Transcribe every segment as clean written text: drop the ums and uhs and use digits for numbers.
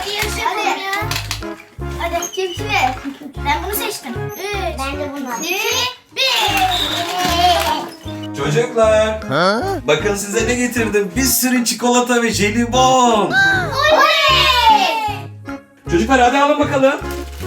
Hadi yarış yapalım ya. Hadi kim kime? Ben bunu seçtim. 3. Ben de bunu. 2. 1. Çocuklar, bakın size ne getirdim. Bir sürü çikolata ve jelibon. Oley! Çocuklar hadi alın bakalım.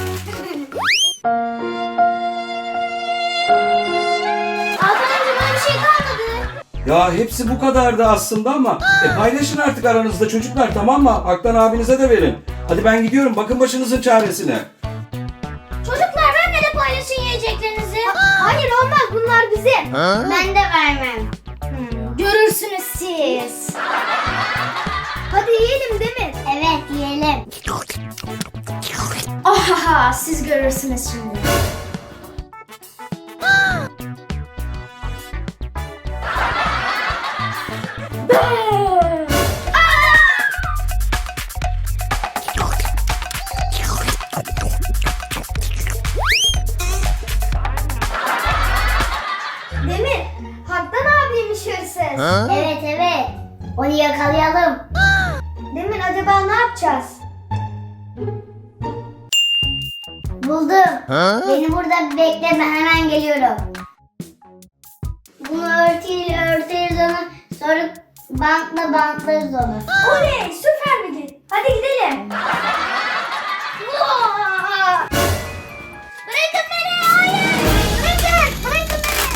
Hakan amca bana bir şey kalmadı. Ya hepsi bu kadardı aslında ama paylaşın artık aranızda çocuklar, tamam mı? Aktan abinize de verin. Hadi ben gidiyorum, bakın başınızın çaresine. Çocuklar benimle de paylaşın yiyeceklerinizi. Hayır olmaz, bunlar bizim. Ben de vermem. Görürsünüz siz. Hadi yiyelim Demir. Evet yiyelim. Ohaha, siz görürsünüz şimdi. Demir, Haktan abiymiş hırsız. Evet evet. Onu yakalayalım. Demir, acaba ne yapacağız? Buldum. Beni burada bekleme, hemen geliyorum. Bunu örteriz onu. Sonra bantlarız onu. Oley, süper bir gün. Hadi gidelim. Vaa! Bırakın beni, hayır. Bırakın beni.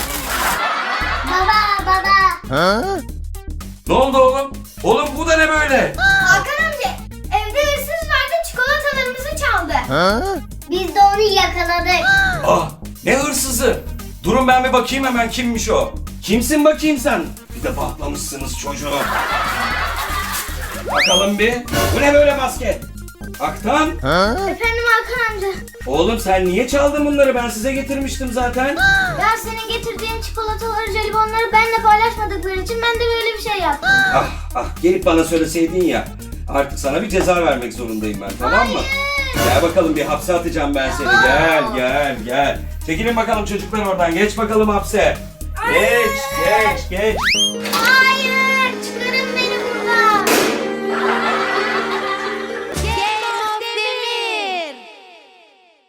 Baba. Ne oldu oğlum? Oğlum bu da ne böyle? Hakan amca, evde hırsız vardı, çikolatalarımızı çaldı. Biz de onu yakaladık. Ah, ne hırsızı? Durun ben bir bakayım hemen kimmiş o. Kimsin bakayım sen? Bir de patlamışsınız çocuğu. Bakalım bir. Bu ne böyle basket? Aktan? Efendim Hakan amca. Oğlum sen niye çaldın bunları? Ben size getirmiştim zaten. Ya senin getirdiğin çikolataları, jelibonları benimle paylaşmadıkları için ben de böyle bir şey yaptım. Ah gelip bana söyleseydin ya. Artık sana bir ceza vermek zorundayım ben, tamam mı? Gel bakalım, bir hapse atacağım ben seni. Gel. Çekilin bakalım çocuklar oradan. Geç bakalım hapse. Geç. Hayır.